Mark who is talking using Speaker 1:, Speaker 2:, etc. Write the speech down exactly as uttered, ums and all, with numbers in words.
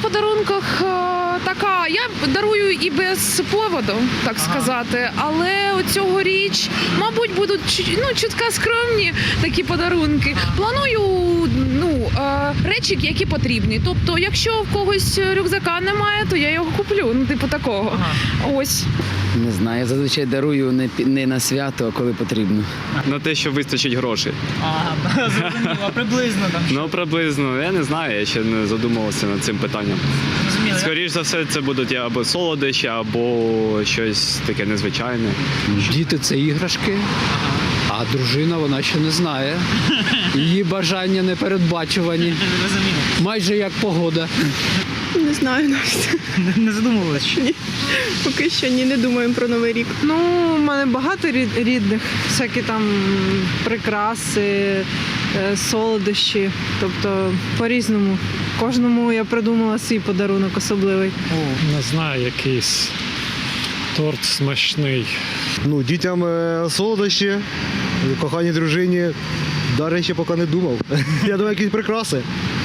Speaker 1: подарунках е, така. Я дарую і без поводу, так сказати. Але цьогоріч, мабуть, будуть чу- ну, чутка скромні такі подарунки. Планую ну, е, речі, які потрібні. Тобто, якщо в когось рюкзака немає, то я його куплю. Ну, типу такого. Ось.
Speaker 2: Не знаю, я зазвичай дарую не, пі- не на свято, а коли потрібно.
Speaker 3: На те, що вистачить грошей.
Speaker 4: Ага, зрозуміло. А приблизно там.
Speaker 3: Ну, приблизно, я не знаю, я ще не задумувався над цим питанням.
Speaker 4: Зрозуміло.
Speaker 3: Скоріше за все, це будуть або солодощі, або щось таке незвичайне.
Speaker 5: Діти це іграшки, а дружина вона ще не знає. Її бажання непередбачувані.
Speaker 4: Зрозуміло.
Speaker 5: Майже як погода.
Speaker 6: Не знаю навіть.
Speaker 4: Не- Не задумувалися?
Speaker 6: Ні. Поки що ні, не думаємо про Новий рік.
Speaker 7: Ну, у мене багато рід- рідних, всякі там прикраси, е, солодощі. Тобто по-різному. Кожному я придумала свій подарунок особливий.
Speaker 8: Не знаю, якийсь торт смачний.
Speaker 9: Ну, дітям е, солодощі, коханій дружині. Дари ще поки не думав. Я думаю, якісь прикраси.